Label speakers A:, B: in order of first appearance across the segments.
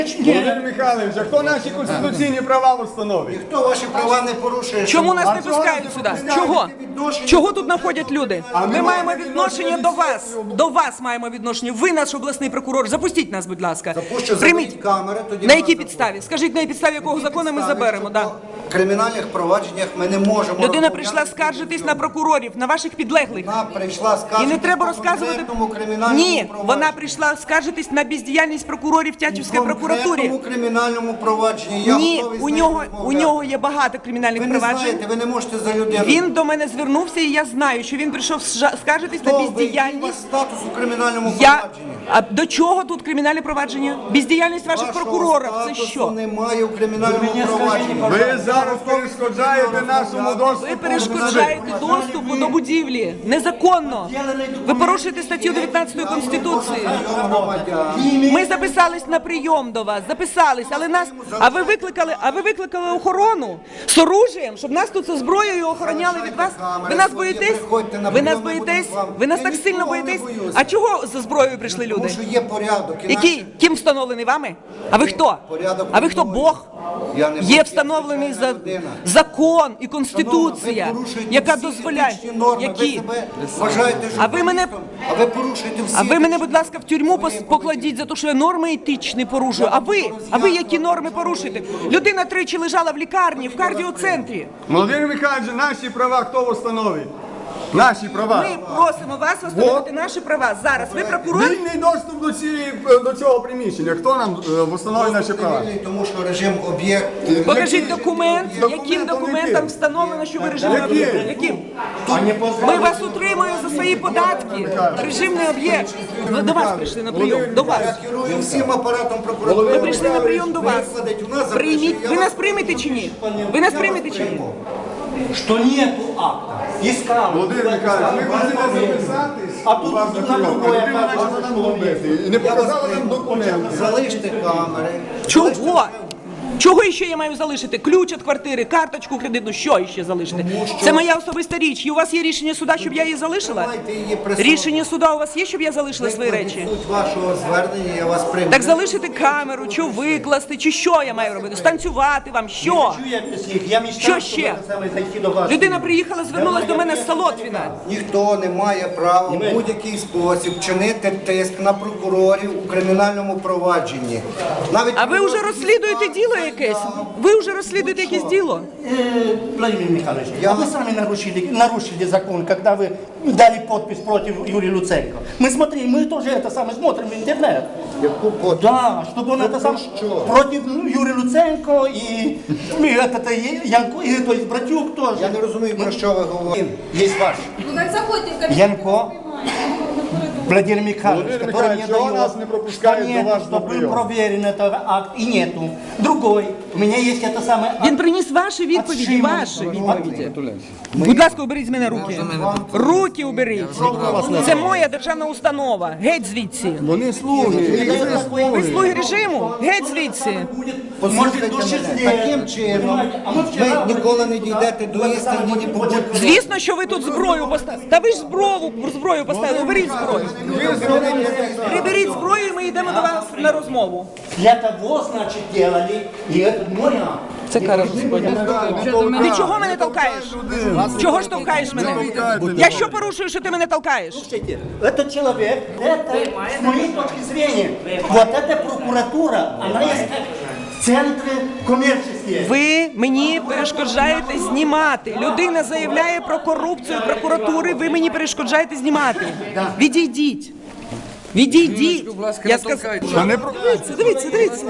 A: Володимир Михайлович, а хто наші конституційні права встановить?
B: Хто ваші права не порушує?
C: Чому нас не пускають сюди? Чого? Чого тут знаходять люди? Ми маємо відношення до вас. До вас маємо відношення. Ви наш обласний прокурор. Запустіть нас, будь ласка. Прийміть. На якій підставі? Скажіть, на підставі якого закону ми заберемо?
B: В кримінальних провадженнях ми не можемо...
C: Людина прийшла скаржитись на прокурорів, на ваших підлеглих.
B: Вона прийшла скаржитись
C: І не треба розказувати... Ні, вона прийшла скаржитись на бездіяльність прокурорів Тячівської прокуратури.
B: В кримінальному провадженні.
C: Ні, у нього є багато кримінальних проваджень.
B: Ви не знаєте, ви не можете за людину.
C: Він до мене звернувся, і я знаю, що він прийшов скаржитись на бездіяльність.
B: Статус у кримінальному провадженні.
C: А до чого тут кримінальне провадження? Бездіяльність ваших прокурорів, це що?
B: Немає у кримінальному провадженні.
A: Ви зараз перешкоджаєте нашому доступу.
C: Ви перешкоджаєте доступу до будівлі. Незаконно. Ви порушуєте статтю 19 Конституції. Ми записались на прийом до вас, записались, але нас... А ви викликали охорону з оружієм, щоб нас тут зі зброєю охороняли від вас? Ви нас боїтесь? Ви нас боїтесь? Ви нас так сильно боїтесь? А чого зі зброєю прийшли люди?
B: Тому що є порядок.
C: Який? Ким встановлений вами? А ви хто? А ви хто? Бог? Є встановлений закон і Конституція, яка дозволяє. Які? А ви мене, будь ласка, в тюрму покладіть за те, що я норми етичні порушую. А ви які норми порушуєте? Людина тричі лежала в лікарні, в кардіоцентрі.
A: Володимир Михайлович, наші права хто встановить? Наші права.
C: Ми просимо вас встановити наші права. Зараз ви прокурор.
A: Вільний доступ до цього приміщення. Хто нам встановить наші права?
B: Тому що режим об'єкт...
C: Покажіть документ, яким документом встановлено, що ви режимний об'єкт. Яким? Ми вас утримуємо за свої податки. Режимний об'єкт. До вас прийшли на прийом. До вас.
B: Я керую всім апаратом прокуратури.
C: Ми прийшли на прийом до вас. Прийміть. Ви нас приймете чи ні? Ви нас приймете чи ні?
D: Что нету акта. Искал.
A: Володимир Михайлович, ми хочемо записатись.
D: А тут
A: вас
D: на другое
A: і не показали нам документи.
B: Залиште камери.
C: Чого? Чого ще я маю залишити? Ключ від квартири, карточку кредитну, що ще залишити? Це моя особиста річ. І у вас є рішення суда, щоб я її залишила? Рішення суда у вас є, щоб я залишила свої речі?
B: Суть вашого звернення, я вас прийму.
C: Так залишити камеру, чи викласти, чи що я маю робити? Станцювати вам, що? Що ще? Людина приїхала, звернулась до мене з Солотвіна.
B: Ніхто не має права в будь-який спосіб чинити тиск на прокурорів у кримінальному провадженні.
C: А ви вже розслідуєте діло якесь? Ви вже розслідуєте якесь діло?
D: Владимир Михайлович, а вы сами нарушили закон, когда вы дали подпись против Юрия Луценко. Мы тоже это самое смотрим в интернет. Да, чтобы он это сам против Юрия Луценко и этот Янко, и то есть Братюк тоже.
B: Я не розумію, про що ви говорите.
D: Есть ваш.
E: Ну так заходьте в кабинет.
D: Янко. Владимир Михайлович,
A: Владимир
D: который
A: Михайлович,
D: не
A: чего
D: дает,
A: нас не пропускает
D: что
A: до
D: нету,
A: вас
D: что
A: на
D: был
A: прием?
D: проверен этот акт и нету. Другой, у меня есть это самое...
C: Він приніс ваші відповіді, ваші відповіді. Будь ласка, уберіть з мене руки. Руки уберіть. Це моя державна установа. Геть звідси.
A: Вони слуги.
C: Ви слуги режиму? Геть звідси.
B: Послухайте мене, таким чином ви ніколи не дійдете до істини, ні побудьте.
C: Звісно, що ви тут зброю поставили. Та ви ж зброю поставили. Уберіть зброю. Приберіть зброю, і ми йдемо до вас на розмову.
D: Для того, значит, делали, и это мой акт.
C: Це кара Господня. Ти чого мене толкаєш? Чого ж толкаєш мене? Я що порушую, що ти мене толкаєш?
D: Слушайте, этот человек, это, с моей точки зрения, вот эта прокуратура, она есть центры коммерческие.
C: Ви мені перешкоджаєте знімати. Людина заявляє про корупцію прокуратури, ви мені перешкоджаєте знімати. Відійдіть. Відійдіть. Я сказав. Дивіться.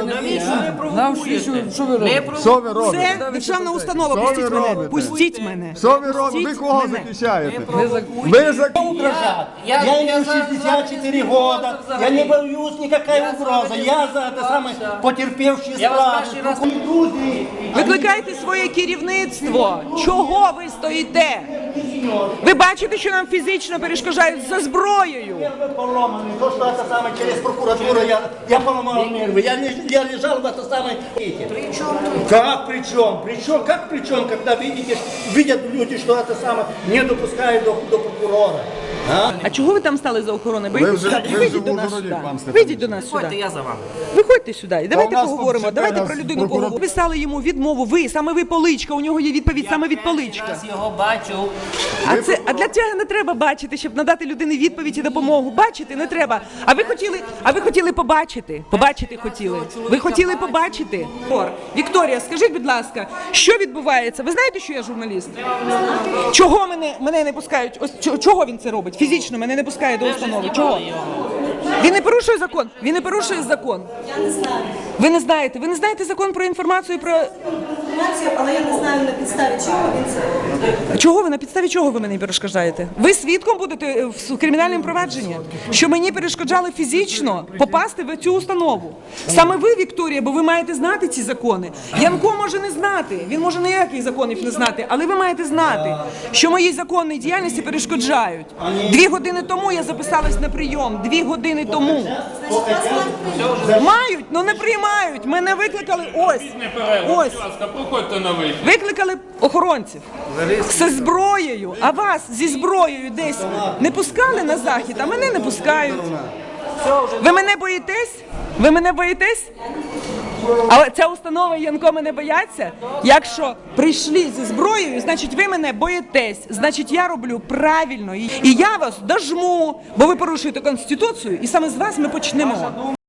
A: Що ви робите?
C: Це державна установа. Пустіть мене. Пустіть мене.
A: Що ви робите? Ви кого захищаєте? Ви
D: Угрожать. Я имею 64 года, я не боюсь никакой угрозы. Я за это самое потерпевший справу.
C: Викликайте своє керівництво. Чого ви стоїте? Ви бачите, що нам фізично перешкоджають за зброєю.
D: Нервы поломаны. То, что это самое через прокуратуру, я поломал нервы. Я лежал в это самое... Как при чем? Как при чем, когда видят люди, что это самое не допускают до прокурора?
C: А чого ви там стали за охороною?
A: Ви вже
C: Вийдіть
A: в
C: до нас
A: Ужгороді,
C: сюди.
A: пан Степанович.
C: Вийдіть до нас сюди.
E: Я за вами.
C: Виходьте сюди і давайте
A: у нас тут
C: поговоримо.
A: чотири
C: Давайте про
A: раз
C: людину
A: прокурор-
C: поговоримо. Ви писали йому відмову. Ви, саме ви Поличка. У нього є відповідь саме від Поличка.
E: Раз його бачу.
C: А для цього не треба бачити, щоб надати людині відповідь і допомогу. Бачити не треба. А ви хотіли побачити? Побачити хотіли. Ви хотіли побачити? Вікторія, скажіть, будь ласка, що відбувається? Ви знаєте, що я журналіст? Чого мене не пускають? Ось чого він це робить? Фізично мене не пускає до установи. Чого? Він не порушує закон. Він не порушує закон.
F: Я не знаю.
C: Ви не знаєте. Ви не знаєте закон про інформацію про.
F: Інформацію, але я не знаю на підставі чого він це.
C: Чого ви на підставі чого ви мені перешкоджаєте? Ви свідком будете в кримінальному провадженні, що мені перешкоджали фізично попасти в цю установу. Саме ви, Вікторія, бо ви маєте знати ці закони. Янко може не знати, він може ніяких законів не знати, але ви маєте знати, що моїй законній діяльності перешкоджають. 2 години тому я записалась на прийом. 2 години тому. Мають, але не приймають. Мене викликали ось. Ось.
G: Проходьте на вихід.
C: Викликали охоронців зі зброєю, а вас зі зброєю десь не пускали на захід, а мене не пускають. Ви мене боїтесь? Ви мене боїтесь? А ця установа і Янко мене бояться? Якщо прийшли зі зброєю, значить ви мене боїтесь. Значить я роблю правильно. І я вас дожму, бо ви порушуєте Конституцію, і саме з вас ми почнемо.